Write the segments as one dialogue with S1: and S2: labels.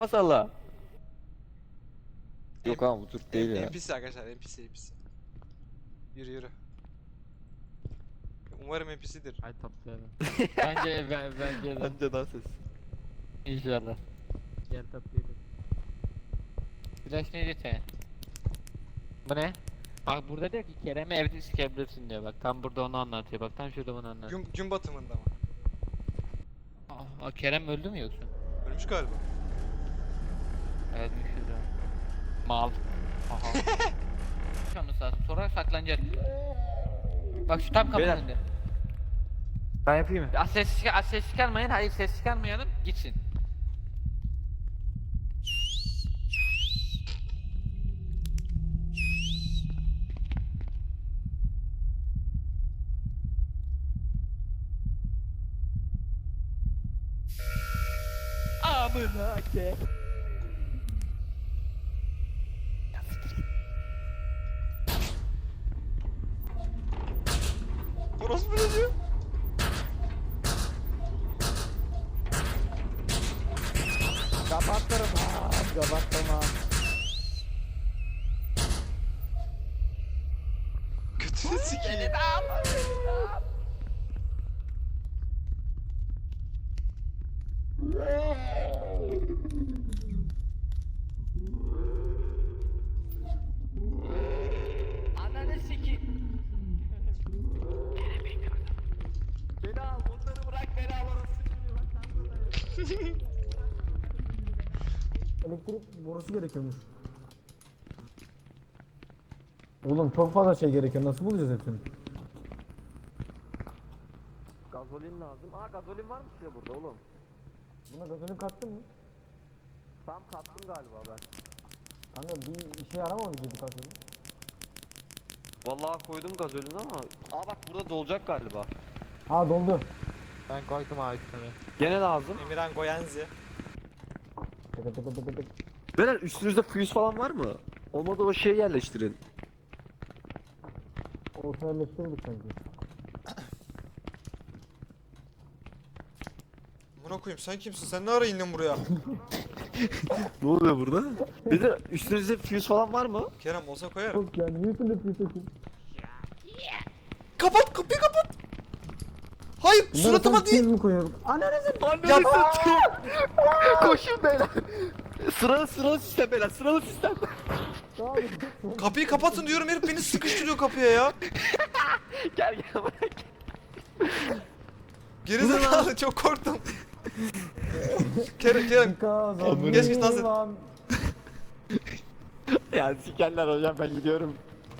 S1: Masala. Yok ama bu Türk değil ya.
S2: NPC arkadaşlar, NPC. Yürü yürü. Umarım NPC'dir.
S3: Ay toplayalım. Bence de.
S1: Bence daha ses.
S3: İnşallah. Gel toplayalım. Flash ne diyor? Bu ne? Bak burada diyor ki Kerem'i evde sikebilirsin diyor, bak tam burada onu anlatıyor, bak tam şurada bunu anlatıyor.
S2: Gün batımında mı?
S3: Kerem öldü mü yoksa?
S2: Ölmüş galiba.
S3: Evet, şurada. Mal. Aha. Şunu sağ sonra saklanacak. Bak şu tam kapının
S1: Beyler.
S3: önünde.
S1: Ben yapayım mı?
S3: Ses çıkarmayın, hayır ses çıkarmayalım, gitsin. Amına ke.
S2: Orospu ne diyor?
S1: Kapatırım ha. Kapatmam.
S2: Kötüne sikeyim.
S3: Ananı siki.
S1: Beni al. Onları bırak. Beni al.
S4: Elektrik borusu gerekiyormuş. Oğlum çok fazla şey gerekiyor. Nasıl bulacağız hepsini?
S1: Gazolin lazım. Aa gazolin varmış ya burada oğlum.
S4: Buna gazolin kattın mı?
S1: Tam kattım galiba ben.
S4: Kanka bir işe yaramadı dedi gazolin.
S1: Vallahi koydum gazolin ama. Aa bak burada dolacak galiba.
S4: Ha doldu.
S3: Ben koydum abi sana.
S1: Gene lazım.
S2: Emirhan Goyenzi.
S4: Tıkı tıkı tıkı tık.
S1: Beyler üstünüzde fuse falan var mı? Olmadı o şeyi yerleştirin.
S4: Orta yerleştirdik sanki.
S2: Buna koyayım, sen kimsin? Sen ne ara indin buraya?
S1: Ne oluyor burada? Bir de üstünüzde fuse falan var mı?
S2: Kerem olsa koyarım.
S4: Çok yani niye üstünde püsesin?
S2: Kapat, kapıyı kapat. Hayır, suratıma değil.
S4: mi koyuyorum? Ananızı
S2: Ya
S1: Koşun beyler. Sıralı sistem beyler. Sıralı sistem.
S2: kapıyı kapatın diyorum, herif beni sıkıştırıyor kapıya ya.
S1: Gel bırak.
S2: Gerizekalı, çok korktum. Kerem. Geç geç lan sen.
S1: Ya sikerler hocam ben gidiyorum.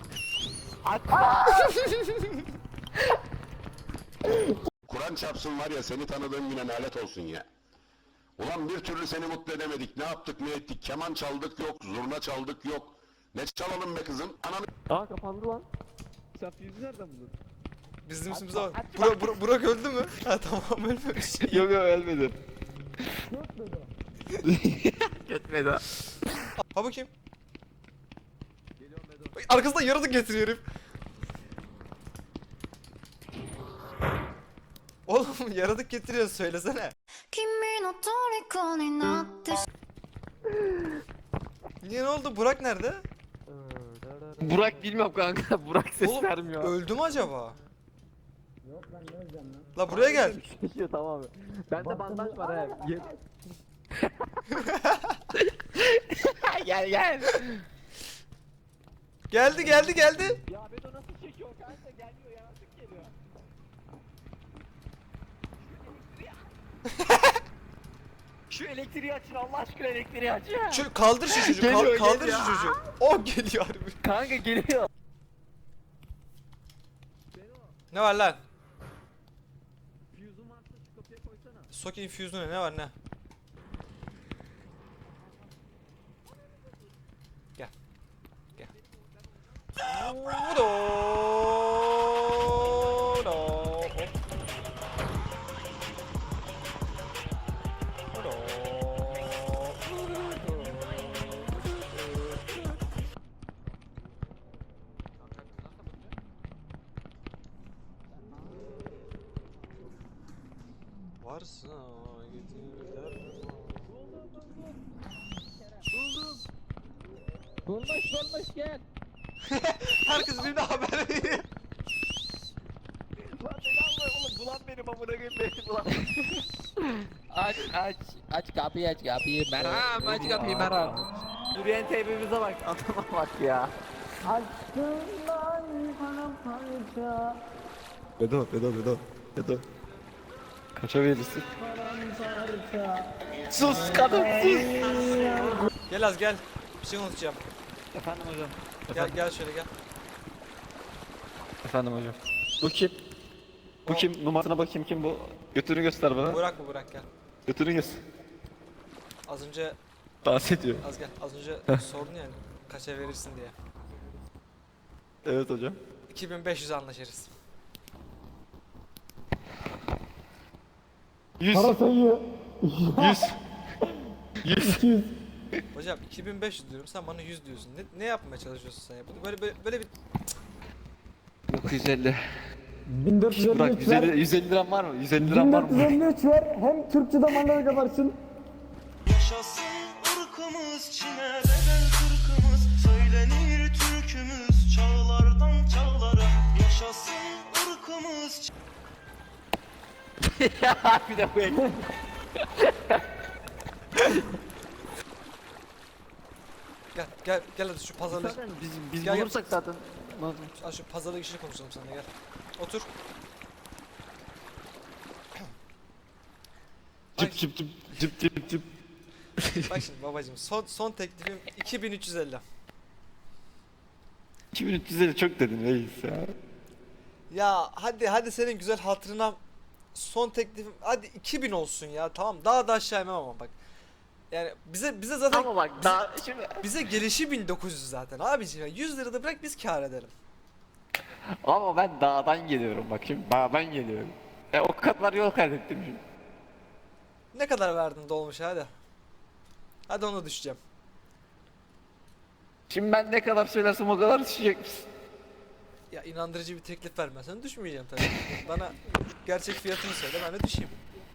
S5: Kur'an çarpsın var ya seni tanıdığım güne lanet olsun ya. Ulan bir türlü seni mutlu edemedik. Ne yaptık ne ettik. Keman çaldık yok. Zurna çaldık yok. Ne çalalım be kızım? Ananı...
S1: Aa kapandı lan. Sen fuse'u nereden buldun?
S2: Bizim üstümüze bak. Burak öldü mü? Ha tamam, ölmemiş.
S1: Yok ölmedi. Gitmedi.
S2: Ha bakayım. Bak, arkasından yaratık getiriyor herif. Oğlum yaratık getiriyor, söylesene.
S6: 君の虜になってし
S2: Niye, ne oldu? Burak nerede?
S1: Burak bilmiyorum kanka. Burak ses
S2: Oğlum
S1: vermiyor.
S2: öldü mü acaba?
S4: Yok ben ne öleceğim lan?
S2: La buraya gel.
S1: Şişiyor tamam. Bende bandaj var ha. Gel.
S2: Geldi.
S1: Ya Bedo nasıl çekiyor kanka? Gelmiyor yaratık geliyor. Şu elektriği açın Allah aşkına elektriği açın.
S2: Şu kaldır şu çocuğu.
S1: Geliyor,
S2: Kaldır
S1: geliyor.
S2: şu çocuğu. O geliyor harbi.
S1: Kanka geliyor.
S2: Ne var lan?
S1: Fuse'un varsa şu kapıya koysana.
S2: Socket infuse'u ne var ne? Gel. Varsa gidilir.
S3: Bulmuş gel.
S2: Herkes birbirine haber veriyor.
S1: Lan beni alma oğlum. Bulan benim amına koyayım beni bulan.
S3: Aç kapıyı Meram aç kapıyı Meram.
S1: Yürüyen teybimize bak. Adama bak ya.
S4: Aşkından paramparça.
S1: Bedo. Kaça verirsin? Sus kadın sus.
S2: Gel Az gel. Bir şey unutacağım.
S1: Efendim hocam.
S2: Gel şöyle gel.
S1: Efendim hocam. Bu kim? Bu kim? Numarasına bakayım kim bu? Götünü göster bana.
S2: Burak mı Burak gel.
S1: Götünü göster.
S2: Az önce
S1: Dans ediyor.
S2: Az gel. Az önce sordun yani kaça verirsin diye.
S1: Evet hocam.
S2: 2500 anlaşırız.
S1: 100.
S4: Para sayıyor.
S1: 100.
S2: Hocam 2500 diyorum sen bana 100 diyorsun. Ne yapmaya çalışıyorsun sen ya? Böyle bir
S1: 950.
S4: 1453
S1: Bırak
S4: ver.
S1: 150 liram var mı? 150 liram var mı?
S4: 1453 ver. Hem Türkçe zamanlara kadarsın.
S7: Yaşasın ırkımız, Çin'e bedel Türk'ümüz, söylenir türkümüz çağlardan çağlara. Yaşasın ırkımız.
S1: Bir de bu el.
S2: gel hadi şu pazarlık.
S1: Zaten biz
S2: Gel, gel.
S1: bulursak zaten.
S2: Şu pazarlık işini konuşalım seninle gel. Otur.
S1: Cıp.
S2: Bak şimdi babacım son teklifim 2350.
S1: 2350 çok dedin reis ya.
S2: Ya hadi senin güzel hatırına son teklifim hadi 2000 olsun ya tamam daha da aşağı inmem ama bak. Yani bize zaten
S1: Ama bak daha şimdi.
S2: bize gelişi 1900 zaten abiciğim. 100 lira da bırak biz kâr edelim.
S1: Ama ben dağdan geliyorum bak şimdi dağdan geliyorum. O kadar yol kaydettim şimdi.
S2: Ne kadar verdin dolmuş hadi. Hadi onu düşeceğim.
S1: Şimdi ben ne kadar söylersem o kadar düşecek misin?
S2: Ya inandırıcı bir teklif vermezsen düşmeyeceğim tabii. Bana gerçek fiyatını söyle ben de düşeyim.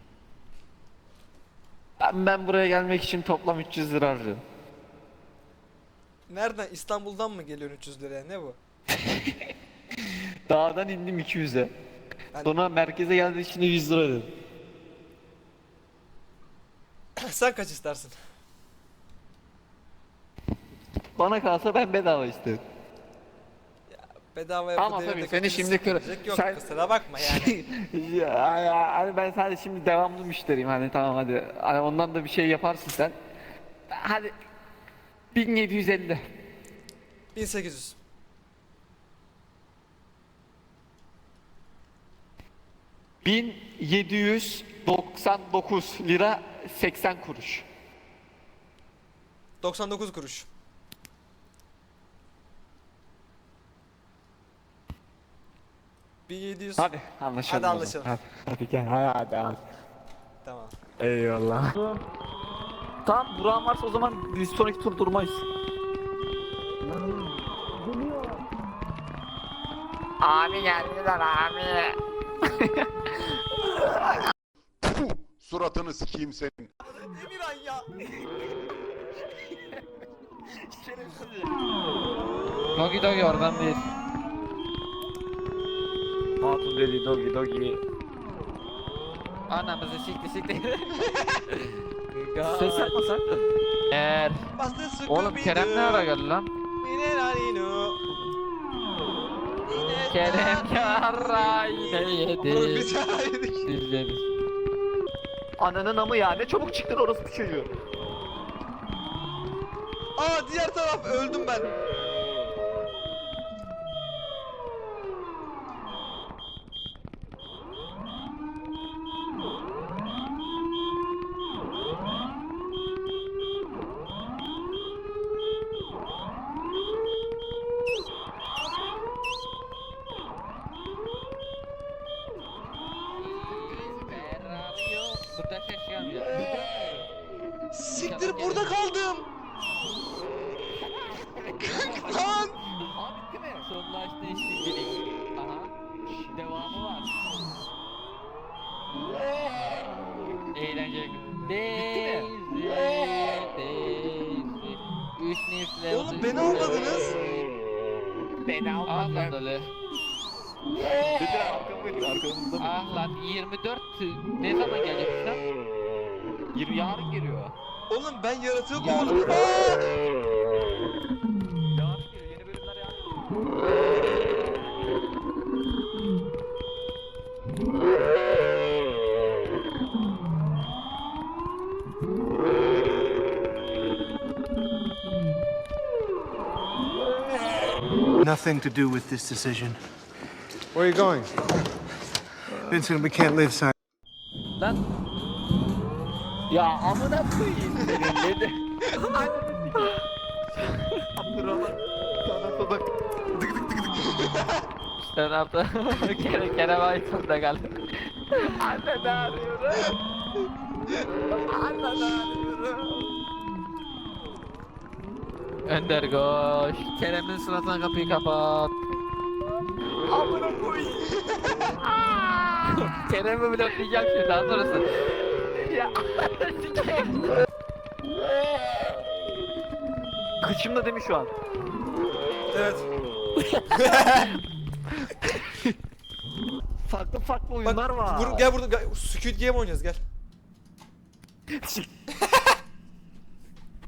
S1: Ben buraya gelmek için toplam 300 lira harcadım.
S2: Nereden İstanbul'dan mı geliyorsun 300 liraya ne bu?
S1: Dağdan indim 200'e.
S2: Ben-
S1: Sonra merkeze geldiği için de 100 lira ödedim.
S2: Sen kaç istersin?
S1: Bana kalsa ben bedava istedim.
S2: Bedavaya
S1: Ama
S2: bu devirde
S1: tabii seni
S2: kötülük
S1: şimdi
S2: sıkılacak yok
S1: sen-
S2: kusura bakma yani.
S1: Hani ben sadece şimdi devamlı müşteriyim hani tamam hadi. Hani ondan da bir şey yaparsın sen. Hadi 1750.
S2: 1800.
S1: ...1799 lira 80 kuruş.
S2: 99 kuruş. ...1700...
S1: Hadi anlaşalım.
S2: Hadi
S1: o
S2: anlaşalım.
S1: zaman. Hadi gel hadi.
S2: Tamam.
S1: Eyvallah. Tamam Burak'ın varsa o zaman biz sonraki tur durmayız. Abi geldiler abi.
S5: Puh, suratını sikeyim senin.
S2: Emirhan ya.
S3: Dogi oradan değil.
S1: Hatun dedi dogi.
S3: Anamızı sikti.
S1: Ses yapmasak.
S3: Eğer. Oğlum Kerem ne ara geldi lan? Kerem yarrayı yedi. Dizleri.
S1: Ananın amı ya ne çabuk çıktın orası bir çocuğu.
S2: Aa diğer taraf öldüm ben.
S3: Burada ses gelmiyor.
S2: Siktir burada kaldım. Lan.
S3: Abi bitti mi? Sonlaştı işte direkt. Aha. Devamı var. Eğlenceli. Daisy. Üç nifle.
S2: Oğlum Oğlum beni almadınız.
S1: Beni
S3: Ah
S1: almadın.
S3: lan Ali.
S1: Bedir arkamızda mı?
S3: Ah lan 24 ne zaman gelecek lan?
S1: 20 yarın geliyor.
S2: Oğlum ben yaratığı
S3: Ya.
S2: kovaladım. Aa!
S1: Yarın geliyor. Yeni bölümler yarın.
S8: Nothing to do with this decision.
S9: Where are you going?
S8: Vincent, we can't live silent.
S1: Lan. Ya amına koyayım senin ne de. Abdurrahman. Sana bak.
S3: Sen hafta Kerem Aytun'da kaldı.
S1: Anne ne arıyorum? Anne ne arıyorum?
S3: Önder koş. Kerem'in suratına kapıyı kapat.
S1: Amına koyayım.
S3: Kerem'i bloklayacağım şimdi daha sonrası.
S1: Ya. Kıçımda değil mi şu an?
S2: Evet.
S1: Farklı farklı
S2: Bak
S1: oyunlar var.
S2: gel burada Squid Game oynayacağız gel.